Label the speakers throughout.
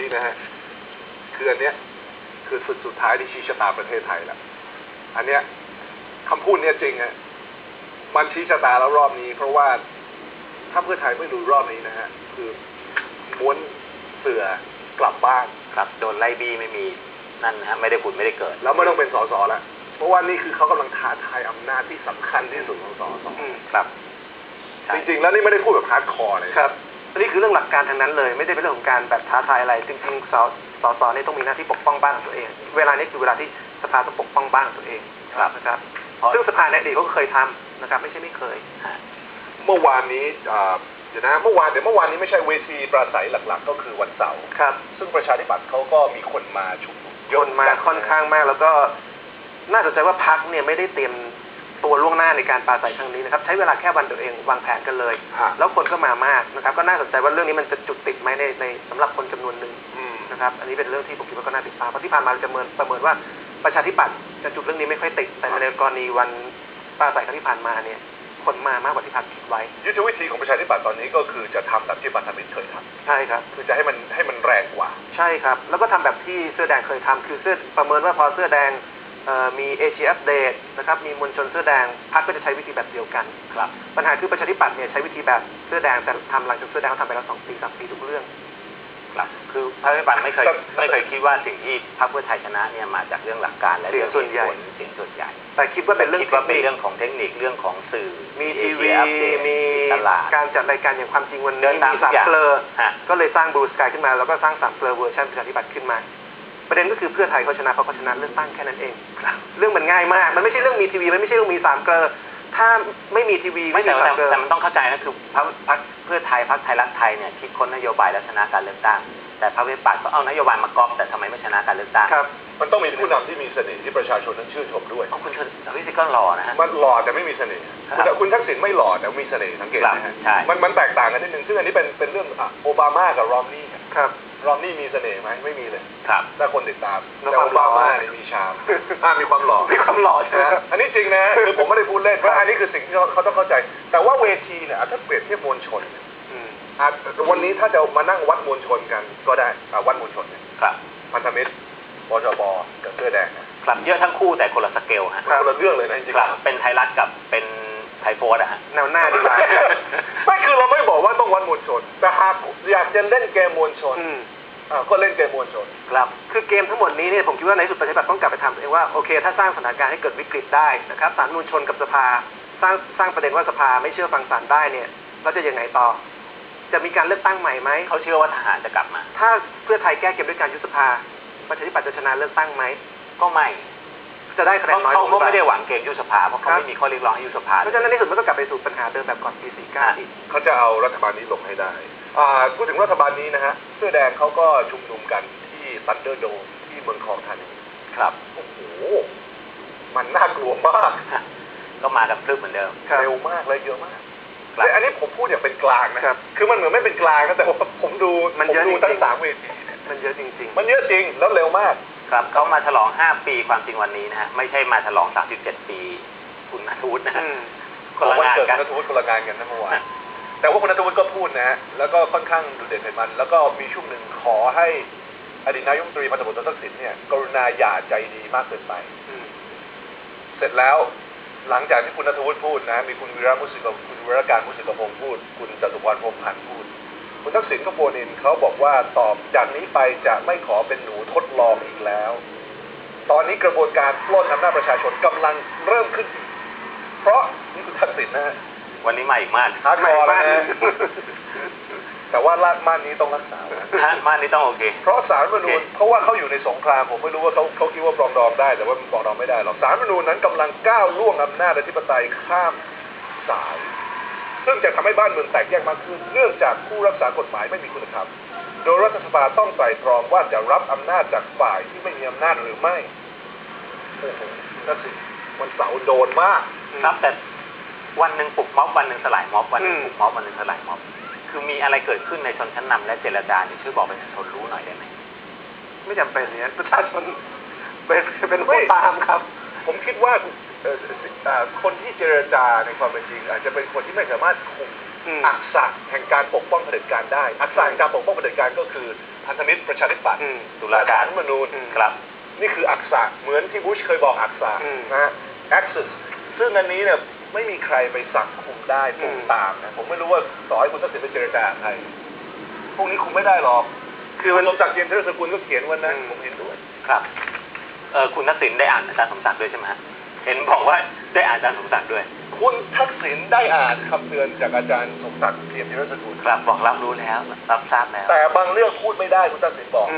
Speaker 1: นี้นะฮะคืออันเนี้ยคือสุดท้ายที่ชี้ชะตาประเทศไทยแล้วอันเนี้ยคำพูดเนี้ยจริงฮะมันชี้ชะตาแล้วรอบนี้เพราะว่าถ้าเพื่อไทยไม่ดูรอบนี้นะฮะคือม้วนเสือกลับบ้าน
Speaker 2: ครับโดนไล่บี้ไม่มีนั่นนะฮะไม่ได้ผุดไม่ได้เกิด
Speaker 1: แล้วไม่ต้องเป็นสสแล้วเพราะว่านี่คือเขากำลังท้าทายอำนาจที่สำคัญที่สุดของสส
Speaker 2: ครับ
Speaker 1: จริงๆแล้วนี่ไม่ได้พูดแบบฮาร์ดคอร์เลย
Speaker 3: ครับอันนี้คือเรื่องหลักการทางนั้นเลยไม่ได้เป็นเรื่องของการแบบท้าทายอะไรจริงๆสสนี่ต้องมีหน้าที่ปกป้องบ้านของตัวเองเวลานี้คือเวลาที่สภาต้องปกป้องบ้านของตัวเองนะครับซึ่งสภาในอดีตก็เคยทำนะครับไม่ใช่ไม่เคย
Speaker 1: เมื่อวานนี้เดี๋ยวเมื่อวานนี้ไม่ใช่เวทีปราศัยหลักๆก็คือวันเสาร์
Speaker 3: ครับ
Speaker 1: ซึ่งประชาธิปัตย์เขาก็มีคนมาชุมนุม
Speaker 3: คนมาค่อนข้างมากแล้วก็น่าสนใจว่าพรรคเนี่ยไม่ได้เตรียมตัวล่วงหน้าในการปราศัยครั้งนี้นะครับใช้เวลาแค่วันตัวเองวางแผนกันเลยแล้วคนก็มามากนะครับก็น่าสนใจว่าเรื่องนี้มันจะจุดติดไหมในสำหรับคนจำนวนหนึ่งนะครับอันนี้เป็นเรื่องที่ผมคิดว่าก็น่าติดตามเพราะที่ผ่านมาเราจะประเมินว่าประชาธิปัตย์จะจุดเรื่องนี้ไม่ค่อยติดแต่ในกรณีวันปราศัยครั้งที่ผ่านมาเนี่ยคนมามากกว่าที่พรรคคิดไว้
Speaker 1: ยุทธวิธีของประชาธิปัตย์ตอนนี้ก็คือจะทำแบบที่พันธมิตรเคยท
Speaker 3: ำใช่ครับ
Speaker 1: คือจะให้มันแรงกว่า
Speaker 3: ใช่ครับแล้วก็ทำแบบที่เสื้อแดงเคยทำคือเสื้อประเมินว่าพอเสื้อแดงมีเอเชียอัปเดตนะครับมีมวลชนเสื้อแดงพรรคก็จะใช้วิธีแบบเดียวกัน
Speaker 2: ครับ
Speaker 3: ปัญหาคือประชาธิปัตย์เนี่ยใช้วิธีแบบเสื้อแดงแต่ทำหลังจากเสื้อแดงเขาทำไปแล้ว2 ปี3 ปีทุกเรื่อง
Speaker 2: ครับคือพรรคประชาธิปัตย์ไม่เคยคิดว่าสิ่งที่พรรคเพื่อไทยชนะเนี่ยมาจากเรื่องหลักการและเรื่อง
Speaker 3: ส่วนใหญ่แต่คิดว่าเป็นเ
Speaker 2: รื่องของเทคนิคเรื่องของสื่อ
Speaker 3: มีทีวีมีการจัดรายการอย่างความจริงวันนี้มี3 เกลอก็เลยสร้างบลูสกายขึ้นมาแล้วก็สร้าง3 เกลอเวอร์ชันประชาธิปัตย์ขึ้นมาประเด็นก็คือเพื่อไทยเขาชนะเพราะเขาชนะเลือกตั้งแค่นั้นเองเรื่องมันง่ายมากมันไม่ใช่เรื่องมีทีวีมันไม่ใช่เรื่องมี3 เกลอถ้าไม่มีทีวี
Speaker 2: ไม่มี3 เกลอแต่มันต้องเข้าใจนะคือพรรคเพื่อไทยพรรคไทยรักไทยเนี่ยคิดค้นนโยบายและชนะการเลือกตั้งแต่พรรคประชาธิปัตย์ก็เอานโยบายมาก๊อปแต่ทำไมไม่ชนะการเลือกตั้ง
Speaker 1: ครับมันต้องมีผู้นำที่มีเสน่ห์ที่ประชาชนนั้นชื่นชมด้วย
Speaker 2: คุณวิสิทธิ์ก็หล่อนะฮะ
Speaker 1: มันหล่อแต่ไม่มีเสน่ห์คุณทักษิณไม่หล่อแต่มีเสน่ห์สังเกตไหมฮะมันแตกต่างกันนิดนึงซึ่งอันนี้เป็นเรื่องโอบามากับรอมนี่
Speaker 3: ครับ
Speaker 1: รอมนี่มีเสน่ห์ไหมไม่มีเลย
Speaker 2: ครับ
Speaker 1: ถ้าคนติดตามแต่โอบามาเนี่ยมีชามมีความหล่อ
Speaker 3: ใช่ไหม
Speaker 1: อันนี้จริงนะคือผมไม่ได้พูดเล่นเพราะอันนี้คือสิ่งที่เขาต้องเข้าใจแต่ว่าเวทีเนี่ยถ้าเปรียบเทียบมวลชนวันนี้ถ้าจะมานั่งวัดมวลชนกันก็ได้วัดมวลชนเนี่ยพันธมิตรบชบกับเสื้อแดง
Speaker 2: ครับเยอะทั้งคู่แต่คนละสเกลฮะ
Speaker 1: คนละเรื่องเลยนะจริง
Speaker 2: ๆเป็นไทยรัฐกับเป็นไทยโฟร์ฮะ
Speaker 3: แนวหน้าดีกว่า
Speaker 1: ไม่คือเราไม่บอกว่าต้องวัดมวลชนแต่หากอยากจะเล่นเกมมวลชนก็เล่นเกมมวลชน
Speaker 3: ครับคือเกมทั้งหมดนี้เนี่ยผมคิดว่าในสุดประชาธิปัตย์ต้องกลับไปทำเองว่าโอเคถ้าสร้างสถานการณ์ให้เกิดวิกฤตได้นะครับศาลมวลชนกับสภาสร้างประเด็นว่าสภาไม่เชื่อฟังศาลได้เนี่ยแล้วจะยังไงต่อจะมีการเลือกตั้งใหม่ไหม
Speaker 2: เขาเชื่อว่าทหารจะกลับมา
Speaker 3: ถ้าเพื่อไทยแก้เกมด้วยการยุบสภาประชาธิปัตย์จะชนะเลือกตั้งไหม
Speaker 2: ก็ไม่
Speaker 3: จะได้คะแนนน้อย
Speaker 2: เขาไม่ได้หวังเกมยุบสภาเพราะเขาไม่มีข้อเรียกร้องให้ยุบสภา
Speaker 3: เพราะฉะนั้นในสุดมันก็กลับไปสู่ปัญหาเดิมแบบก่อนปี49อีก
Speaker 1: เขาจะเอารัฐบาลนี้ลงให้ได้พูดถึงรัฐบาลนี้นะฮะเสื้อแดงเขาก็ชุมนุมกันที่ซันเดอร์โดมที่เมืองทองธานี
Speaker 2: ครับ
Speaker 1: โอ้โหมันน่ากลัวมาก
Speaker 2: ก็มากันพลึบเหมือนเดิม
Speaker 1: เร็วมากและเยอะมากแต่อันนี้ผมพูดอย่างเป็นกลางนะครับคือมันเหมือนไม่เป็นกลางนะแต่ว่าผมดูทั้ง3 เวที
Speaker 3: มันเยอะจริง
Speaker 1: ๆมันเยอะจริงแล้วเร็วมาก
Speaker 2: ครับเขามาฉลอง5 ปีความจริงวันนี้นะฮะไม่ใช่มาฉลอง37 ปีคุณณัฐวุฒินะ
Speaker 1: คนละงานกันณัฐวุฒิคนละงานกันนะเมื่อวานแต่ว่าคุณณัฐวุฒิก็พูดนะฮะแล้วก็ค่อนข้างดุเด่นเผ็ดมันแล้วก็มีช่วงหนึ่งขอให้อดีตนายกรัฐมนตรีพันธบุตรทักษิณเนี่ยกรุณาอย่าใจดีมากเกินไปเสร็จแล้วหลังจากที่คุณณัฐวุฒิพูดนะมีคุณวีระการมุสิกพงศ์พูดคุณจตุพรพรหมพันธ์พูดคุณทักษิณก็โฟนอินเขาบอกว่าตอบจากนี้ไปจะไม่ขอเป็นหนูทดลองอีกแล้วตอนนี้กระบวนการปล้นอำนาจประชาชนกำลังเริ่มขึ้นเพราะนี่คุณทักษิณนะ
Speaker 2: วันนี้มาอีกม่าน
Speaker 1: ฮาร์ดคอร์แล้วนะแต่ว่าม่านนี้ต้องรักษา
Speaker 2: ม่านนี้ต้องโอเค
Speaker 1: เพราะศาลรัฐธรรมนูญเพราะว่าเขาอยู่ในสงครามผมไม่รู้ว่าเขาคิดว่าปรองดองได้แต่ว่ามันปรองดองไม่ได้หรอกศาลรัฐธรรมนูญนั้นกำลังก้าวล่วงอำนาจอธิปไตยข้ามสายซึ่งจะทำให้บ้านเมืองแตกแยกมากขึ้นเนื่องจากผู้รักษากฎหมายไม่มีคุณธรรมโดยรัฐสภาต้องไตร่ตรองว่าจะรับอำนาจจากฝ่ายที่ไม่มีอำนาจหรือไม่โอ้โหนั่นสิวันเสาร์โดนมาก
Speaker 2: ครับแต่วันหนึ่งปลุกม็อบวันหนึ่งสลายม็อบวันหนึ่งปลุกม็อบวันหนึ่งสลายม็อบคือมีอะไรเกิดขึ้นในชนชั้นนำและเจรจาช่วยบอกประชาชนรู้หน่อยได้ไหม
Speaker 3: ไม่จำเป็นเนี่ยประชาชนเป็นผู้ตามครับ
Speaker 1: ผมคิดว่าคนที่เจรจาในความเป็นจริงอาจจะเป็นคนที่ไม่สามารถคุมอักษะแห่งการปกป้องเผด็จการได้อักษะแห่งการปกป้องเผด็จการก็คือพันธมิตรประชาธิปัตย์
Speaker 2: ตุลาการ
Speaker 1: รัฐธรรมนูญ
Speaker 2: ครับ
Speaker 1: นี่คืออักษะเหมือนที่บุชเคยบอกอักษะนะฮะ Axis ซึ่งอันนี้เนี่ยไม่มีใครไปสั่งคุมได้คุมตามนะผมไม่รู้ว่าต่อให้คุณทักษิณไปเจรจาใครพวกนี้คุมไม่ได้หรอกคือมันสมศักดิ์เจียมธีรสกุลก็เขียนวันนั้นผมเห็นด้วย
Speaker 2: ครับคุณทักษิณได้อ่านอาจารย์สมศักดิ์ด้วยใช่ไหมฮะเห็นบอกว่าได้อ่านอาจารย์สมศักดิ์ด้วย
Speaker 1: คุณทักษิณได้อ่านคำเตือนจากอาจารย์สมศักดิ์เจียมธีรสกุล
Speaker 2: ครับบอกรับรู้แล้วรับทราบแล้ว
Speaker 1: แต่บางเรื่องพูดไม่ได้คุณทักษิณบอก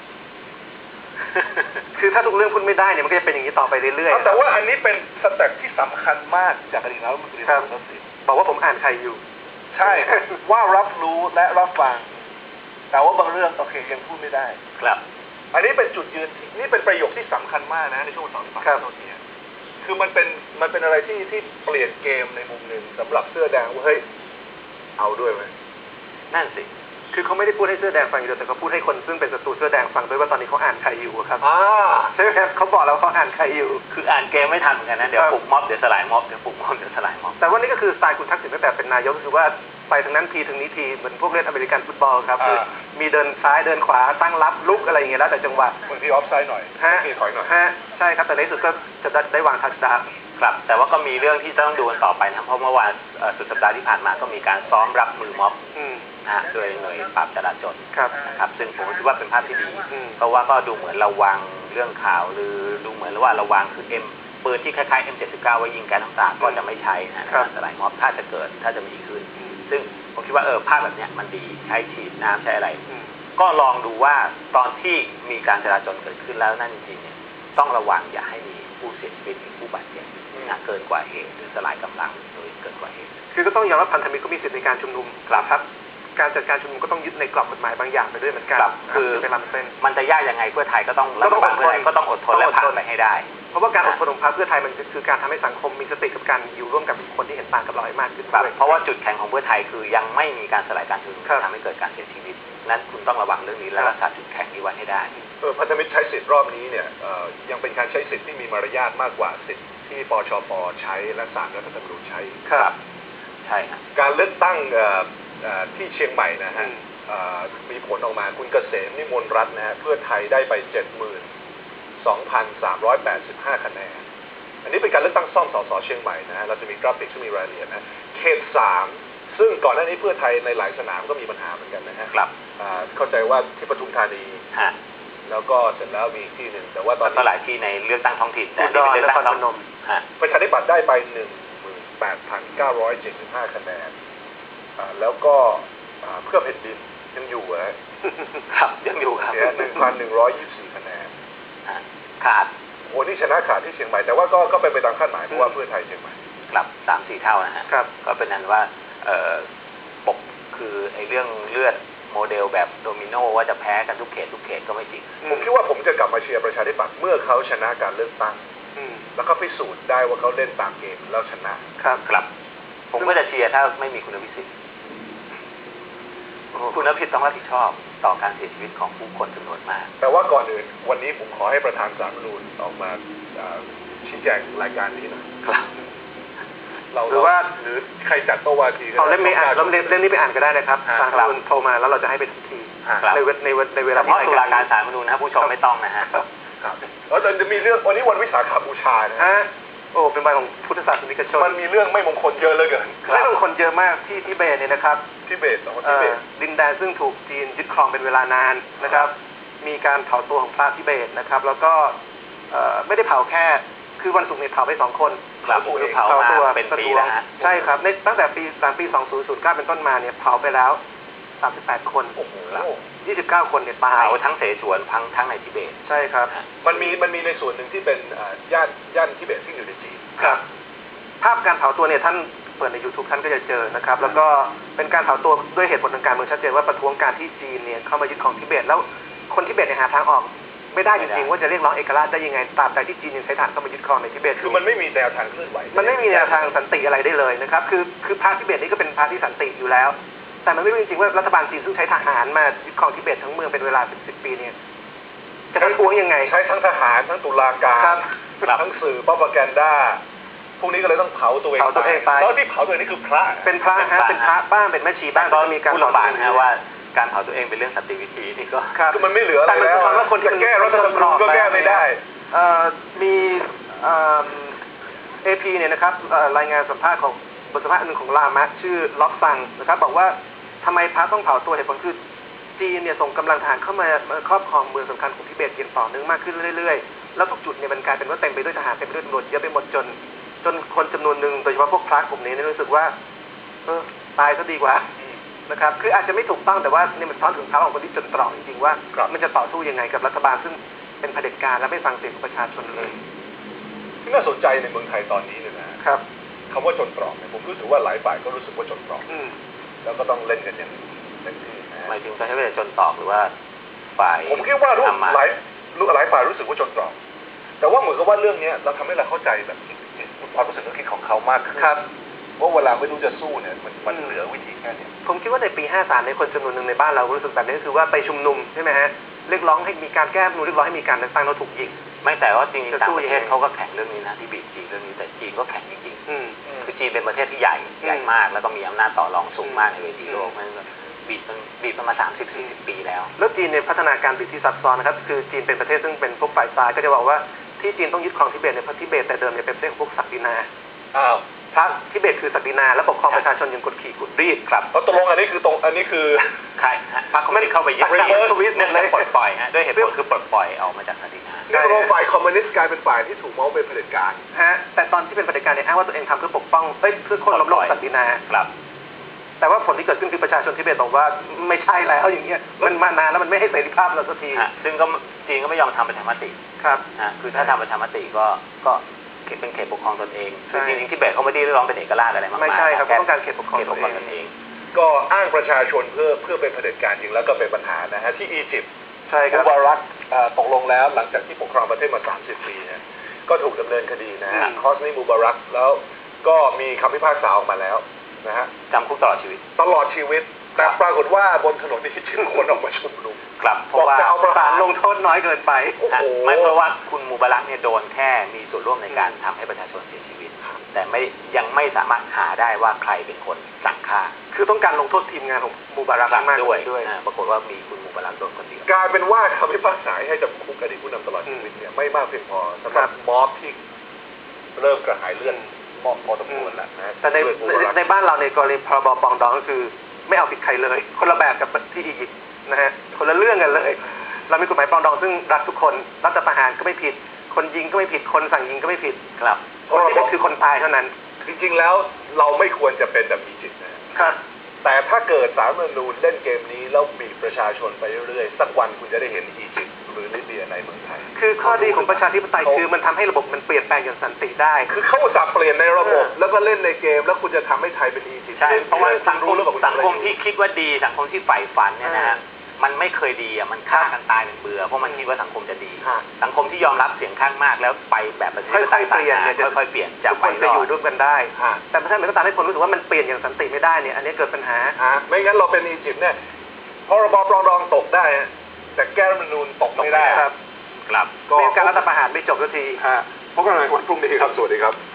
Speaker 3: คือถ้าทุกเรื่องพูดไม่ได้เนี่ยมันก็จะเป็นอย่างนี้ต่อไปเรื่อยๆ
Speaker 1: แต่ว่าอันนี้เป็นสเต็ปที่สำคัญมากจากอดีตนายกรัฐมนตรีคุณทักษิณ
Speaker 3: บอกว่าผมอ่านใครอยู่
Speaker 1: ใช่ว่ารับรู้และรับฟังแต่ว่าบางเรื่องโอเคยังพูดไม่ได้
Speaker 2: ครับ
Speaker 1: อันนี้เป็นจุดยืนนี่เป็นประโยคที่สำคัญมากนะในช่วง2 ปีนี้คือมันเป็นอะไรที่เปลี่ยนเกมในมุมหนึ่งสำหรับเสื้อแดงว่าเฮ้ยเอาด้วยไหม
Speaker 2: นั่นสิ
Speaker 3: คือเขาไม่ได้พูดให้เสื้อแดงฟังอย่างเดียวแต่เขาพูดให้คนซึ่งเป็นศัตรูเสื้อแดงฟังด้วยว่าตอนนี้เขาอ่านใครอยู่ครับใช่ไหมครับเขาบอกแล้วเขาอ่านใครอยู่
Speaker 2: คืออ่านเกมไม่ทันเหมือนกันนะเดี๋ยวปลุกม็อบเดี๋ยวสลายม็อบเดี๋ยวปลุกม็อบเดี๋ยวสลายม็อบ
Speaker 3: แต่ว่านี่ก็คือสไตล์คุณทักษิณตั้งแต่เป็นนายกคือว่าไปทางนั้นทีทางนี้ทีเหมือนพวกเล่นอเมริกันฟุตบอลครับคือมีเดินซ้ายเดินขวาตั้งรับลุกอะไรอย่างเงี้ยแล้วแต่จังหวะ
Speaker 1: บางทีออฟไซด์หน่อยมีถอยหน่อย
Speaker 3: ใช่ครับแต่ในที่สุดก็จะได้วางทัชดาวน์
Speaker 2: ครับแต่ว่าก็มีเรื่องที่ต้องดูกันต่อไปนะเพราะเมื่อวานสุดสัปดาห์ที่ผ่านมาก็มีการซ้อมรับมือม็อบโดยหน่วยปราบจราจรนะครับซึ่งผมคิดว่าเป็นภาพที่ดีเพราะว่าก็ดูเหมือนระวังเรื่องข่าวหรือดูเหมือนว่าระวังคือปืนที่คล้ายๆ M79 ไว้ยิงแก๊สน้ำตาก็จะไม่ใช้นะสลายม็อบถ้าจะมีขึ้นซึ่งผมคิดว่าภาพแบบนี้มันดีใช้ฉีดน้ำใช้อะไรก็ลองดูว่าตอนที่มีการจราจรเกิดขึ้นแล้วนั่นจริงๆเนี่ยต้องระวังอย่าให้มีผู้เสียชีวิตหรือผู้บาดเจ็บเกินกว่าเหตุหรือสลายกำลังโดยเกินกว่าเหตุ
Speaker 3: คือก็ต้องยอมรับพันธมิตรก็มีสิทธิในการชุมนุมครับการจัดการชุมนุมก็ต้องยึดในกรอบกฎหมายบางอย่างไปด้วยเหมือนกัน
Speaker 2: คือมันจะยากยังไงเพื่อไทยก็ต้องอดทนและผ่านไปให้ได้
Speaker 3: เพราะว่าการอดทนของพรรคเพื่อไทยมันคือการทำให้สังคมมีสติกับการอยู่ร่วมกับคนที่เห็นต่างกับเราให้มากขึ้น
Speaker 2: เพราะว่าจุดแข็งของเพื่อไทยคือยังไม่มีการสลายการชุมนุมทำให้เกิดการเสียชีวิตนั้นคุณต้องระวังเรื่องนี้และรักษาจุดแข็งนี้ไว้ให้ได้
Speaker 1: พันธมิตรใช้สิทธิ์รอบนี้เนี่ยยังเป็นการใช้สิทธิ์ที่มีมารยาทมากกว่าสิทธิ์ที่ปชป.ใช้และศาลรัฐธรรมนูญใช้
Speaker 2: ครับใช่ครับ
Speaker 1: การเลือกตั้งที่เชียงใหม่นะฮะมีผลออกมาคุณเกษมนิมนต์รัตน์นะฮะเพื่อไทยได้ไป 72,385 คะแนนอันนี้เป็นการเลือกตั้งซ่อมสสเชียงใหม่นะฮะเราจะมีกราฟิกที่มีรายละเอียดนะเขต 3ซึ่งก่อนหน้านี้เพื่อไทยในหลายสนามก็มีปัญหาเหมือนกันนะฮะเข้าใจว่าที่ปทุมธานีแล้วก็เสร็จแล้วมีที่หนึ่งแต่ว่าตอนนี้
Speaker 2: หลายที่ในเลือกตั้งท้องถิ่นแต่นี่เป็นเลือกตั้งพนม
Speaker 1: ประชาธิปัตย์ได้ไป 18,975 คะแนนแล้วก็เพื่อแผ่นดินยังอยู่
Speaker 2: ครับยังอยู่ครับ
Speaker 1: 1,124 คะแนน
Speaker 2: ขาด
Speaker 1: โอ้นี่ชนะขาดที่เชียงใหม่แต่ว่าก็เป็นไปตามคาดหมายเพราะว่าเพื่อไทยเชียงใหม่
Speaker 2: ครับ 3-4 เท่านะฮะก็เป็นนั้นว่าปกคือไอ้เรื่องเลือดโมเดลแบบโดมิโนว่าจะแพ้กันทุกเขตก็ไม่จริง
Speaker 1: ผมคิดว่าผมจะกลับมาเชียร์ประชาธิปัตย์เมื่อเขาชนะการเลือกตั้งแล้วก็พิสูจน์ได้ว่าเขาเล่นตามเกมแล้วชนะครับ
Speaker 2: ผมก็จะเชียร์ถ้าไม่มีคุณพิสิทธิ์คุณพิสิทธิ์ต้องรับผิดชอบต่อการเสียชีวิตของผู้คนจำนวนมาก
Speaker 1: แต่ว่าก่อนอื่นวันนี้ผมขอให้ประธานศาลรัฐธรรมนูญออกมาชี้แจงรายการนี้หน่อย
Speaker 3: หรือว่า
Speaker 1: หรือใครจัดโต๊ะวาที
Speaker 3: เอาเล่มนี้อ่านเล่มนี้ไปอ่านก็ได้นะครับศาลรัฐธรรมนูญโทรมาแล้วเราจะให้ไปทันทีในเวลา
Speaker 2: เพราะตุลาการศาลรัฐธรรมนูญนะผู้ชมไม่ต้องนะฮะ
Speaker 1: แล้วจะมีเรื่องวันนี้วันวิสาขบูชานะ
Speaker 3: โอ้เป็นวันของพุทธศาสนิกชน
Speaker 1: มันมีเรื่องไม่มงคลเยอะเลยเกิน
Speaker 3: ไม่มงคลเยอะมากที่ทิเบตเนี่ยนะครับ
Speaker 1: ทิเบต
Speaker 3: ดินแดนซึ่งถูกจีนยึดครองเป็นเวลานานนะครับมีการเผาตัวของพระทิเบตนะครับแล้วก็ไม่ได้เผาแค่คือวันศุกร์เนี่ยเผาไป2 คน
Speaker 2: เผาตัวเป็นปีแล้วฮะ
Speaker 3: ใช่ครับในตั้งแต่ปี 2009 เป็นต้นมาเนี่ยเผาไปแล้ว38 คน29 คนเนี่ยตาย
Speaker 2: เผาทั้งเสฉวนทั้งในทิเบต
Speaker 3: ใช่ครับ
Speaker 1: มันมีในส่วนหนึ่งที่เป็นย่านทิเบตที่อยู่ในจีน
Speaker 3: ครับภาพการเผาตัวเนี่ยท่านเปิดใน YouTube ท่านก็จะเจอนะครับแล้วก็เป็นการเผาตัวด้วยเหตุผลทางการเมืองชัดเจนว่าประท้วงการที่จีนเนี่ยเข้ามายึดครองทิเบตแล้วคนทิเบตเนี่ยหาทางออกไม่ได้จริงๆว่าจะเรียกร้องเอกราชได้ยังไงตราบใดที่จีนยังใช้ฐานเข้ามายึดครองในทิเบต
Speaker 1: คือมันไม่มีแนวทางเคลื่อนไหว
Speaker 3: มันไม่มีแนวทางสันติอะไรได้เลยนะครับคือพรรคทิเบตนี่ก็เป็นพรรคที่สันติอยู่แล้วแต่มันไม่รู้จริงๆว่ารัฐบาลจีนซึ่งใช้ทหารมายึดครองทิเบตทั้งเมืองเป็นเวลา10 ปีเนี่ยจะประท้วงยังไง
Speaker 1: ใช้ทั้งทหารทั้งตุลาการทั้งสื่อโปรพาแกนดาพวกนี้ก็เลยต้องเผาตัวเอง
Speaker 3: ไป
Speaker 1: แล้วที่เผาตัวเองนี่คือพระ
Speaker 3: เป็นพระฮะเป็นพระบ้างเป็นแม่ชีบ้าง
Speaker 2: ก็มีการพูดลำบากนะว่าการเผาตัวเองเป็นเรื่องสันติวิธีนี่ก็
Speaker 1: คือมันไม่เหลืออะไรแล้วจะแก้รัฐธรรมนูญก็แก้ไม่ได้
Speaker 3: มีAP เนี่ยนะครับรายงานสัมภาษณ์ของบทสัมภาษณ์หนึ่งของลามะชื่อล็อกซังนะครับบอกว่าทำไมพระต้องเผาตัวเหตุผลคือจีนเนี่ยส่งกำลังทหารเข้ามาครอบครองเมืองสำคัญของทิเบตอย่างต่อเนื่องมากขึ้นเรื่อยๆแล้วทุกจุดเนี่ยมันกลายเป็นว่าเต็มไปด้วยทหารเต็มไปด้วยตำรวจเยอะไปหมดจนคนจำนวนหนึ่งโดยเฉพาะพวกพระกลุ่มนี้รู้สึกว่าตายซะดีกว่านะครับคืออาจจะไม่ถูกต้องแต่ว่านี่มันซ้อนถึงเท้าของคนที่จนตรอกจริงๆว่ามันจะต่อสู้ยังไงกับรัฐบาลซึ่งเป็นเผด็จการและไม่ฟังเสียงของประชาชนเลย
Speaker 1: ที่น่าสนใจในเมืองไทยตอนนี้เนี่ยนะครับคำว่าจนตรอกเนี่ยผมรู้สึกว่าหลายฝ่ายก็รู้สึกว่าจนตรอกแล้วก็ต้องเล่นกันอย่างเต็มที่
Speaker 2: หมายถึงจะให้เป็นจนตรอกหรือว่าฝ่าย
Speaker 1: ผมคิดว่าหลายฝ่ายรู้สึกว่าจนตรอกแต่ว่าเหมือนกับว่าเรื่องนี้เราทำให้เราเข้าใจแบบความรู้สึกนึกคิดของเขามากขึ้นว่าเวลาไม่รู้จะสู้เนี่ยมันเหลือวิธีแค่นี้
Speaker 3: ผมคิดว่าในปี53ในคนจำนวนหนึ่งในบ้านเรารู้สึกแบบนี้คือว่าไปชุมนุมใช่ไหมฮะเรียกร้องให้มีการแก้รัฐธรรมนูญเรียกร้องให้มีการเลือกตั้งแล้วถูกยิง
Speaker 2: ไม่แต่ว่าจริงๆต่างประเทศเขาก็แข่งเรื่องนี้นะที่บีบจีนเรื่องนี้แต่จีนก็แข่งจริงๆคือจีนเป็นประเทศที่ใหญ่มากแล้วก็มีอำนาจต่อรองสูงมากในเวทีโลกมันบีบมา30-40 ปีแล้ว
Speaker 3: จีนในพัฒนาการบีบที่ซับซ้อนนะครับคือจีนเป็นประเทศซึ่งเป็นพวกฝ่ายซ้ายก็จะบอกว่าที่จีนต้องยึดครองทิเบตเนี่ยเพราะทิเบตแต่เดิมเนี่ยเป็นประเทศของพวกศักดินาพระทิเบตคือศักดินาและปกครองประชาชนอย่างกดขี่กดรีด
Speaker 2: ครับ
Speaker 1: เพราะตกลงอันนี้คือ
Speaker 2: ใครพรรคคอมมิวนิสต์เข้าไปยึด
Speaker 3: สวิตเลย
Speaker 2: ปลดปล่อยฮะด้วยเหตุผลคือปลดปล่อยออกมาจากศักดินา
Speaker 1: นี่เราฝ่ายคอมมิวนิสต์กลายเป็นฝ่ายที่ถูกมองเป็นเผด็จการ
Speaker 3: แต่ตอนที่เป็นเผด็จการเนี่ยอ้างว่าตัวเองทำเพื่อปกป้องเพื่อคนล้มล้างศักดินา
Speaker 2: ครับ
Speaker 3: แต่ว่าผลที่เกิดขึ้นคือประชาชนทิเบตบอกว่าไม่ใช่แล้วอย่างเงี้ยมันมานานแล้วมันไม่ให้เสรีภาพเราสักที
Speaker 2: ซึ่งก็จีนก็ไม่ยอมทำประชามติ
Speaker 3: ครับ
Speaker 2: คือถ้าทำประชามติก็เป็นเขตปกครองตนเองจริงๆทิเบตเขาไม่ได้ร้องเป็นเอกราชอะไรมาก
Speaker 3: ไม่ใช่ครับต้องการเขตปกครองตนเอง
Speaker 1: ก็อ้างประชาชนเพื่อเป็นเผด็จการจริงแล้วก็เป็นปัญหานะฮะที่อียิปต์
Speaker 3: ใช่ครับ
Speaker 1: มูบารักตกลงแล้วหลังจากที่ปกครองประเทศมา30 ปีนะก็ถูกดำเนินคดีนะฮะคอสนีมูบารักแล้วก็มีคำพิพากษาออกมาแล้วนะฮะ
Speaker 2: จำคุกตลอดชีวิต
Speaker 1: แต่ปรากฏว่าบนถนนนี่ชื่อคนออกมาชุมนุม
Speaker 2: ครับเพราะว่า
Speaker 3: จะเอาประหารลงโทษน้อยเกินไป
Speaker 2: ไม่เพราะว่าคุณมูบารักเนี่ยโดนแค่มีส่วนร่วมในการทำให้ประชาชนเสียชีวิตแต่ยังไม่สามารถหาได้ว่าใครเป็นคนสั่งฆ่า
Speaker 3: คือต้องการลงโทษทีมงานของมูบารักมาก
Speaker 2: ด้วยปรากฏว่ามีคุณมูบารักโดนคนเดียว
Speaker 1: กลายเป็นว่าคำพิพากษาให้จำคุกอดีตผู้นำตลอดชีวิตเนี่ยไม่มากเพียงพอสำหรับม็อบที่เริ่มกระหายเลือดม็อบพอสมควรแล้วนะ
Speaker 3: แต่ในบ้านเราในกรณีพรบปองดองก็คือไม่เอาผิดใครเลยคนละแบบกับที่อียิปต์นะฮะคนละเรื่องกันเลยเรามีกฎหมายปองดองซึ่งรักทุกคนรัฐประหารก็ไม่ผิดคนยิงก็ไม่ผิดคนสั่งยิงก็ไม่ผิด
Speaker 2: ครับ
Speaker 3: คนที่ผิดคือคนตายเท่านั้น
Speaker 1: จริงๆแล้วเราไม่ควรจะเป็นแบบอียิปต์นะครับแต่ถ้าเกิดศาลรัฐธรรมนูญเล่นเกมนี้แล้วบีบประชาชนไปเรื่อยๆสักวันคุณจะได้เห็นอียิปต์หรือลิเบียในเมืองไทย
Speaker 3: คือข้อดีของประชาธิปไตยคือมันทำให้ระบบมันเปลี่ยนแปลงอย่างสันติได้
Speaker 1: คือเขาอุตส่าห์เปลี่ยนในระบบแล้วก็เล่นในเกมแล้วคุณจะทำให้ไทยเป็นอียิปต์
Speaker 2: ใช่เพราะว่าสังคมที่คิดว่าดีสังคมที่ใฝ่ฝันเนี่ยนะฮะมันไม่เคยดีมันฆ่ากันตายเป็นเบื่อเพราะมันคิดว่าสังคมจะดีสังคมที่ยอมรับเสียงข้างมากแล้วไปแบบประชาธิปไตยเปลี่ยนค่อยๆเปลี่ยนจาก
Speaker 3: คนจะอยู่ร่วมกันได้แต่ถ้ามันก็ตามให้คนรู้สึกว่ามันเปลี่ยนอย่างสันติไม่ได้เนี่ยอันนี้เกิดปัญหา
Speaker 1: ไม่งั้นเราเป็นอียิปต์เนี่ยพรบปรองดองตกได้แต่แก้รัฐธรรมนูญตกไม่ได้
Speaker 3: ครับ
Speaker 2: ครับ
Speaker 3: ก็การรัฐประหารไม่จบสักที
Speaker 1: พบกันใหม่วันพรุ่งนี้ครับสวัสดีครับ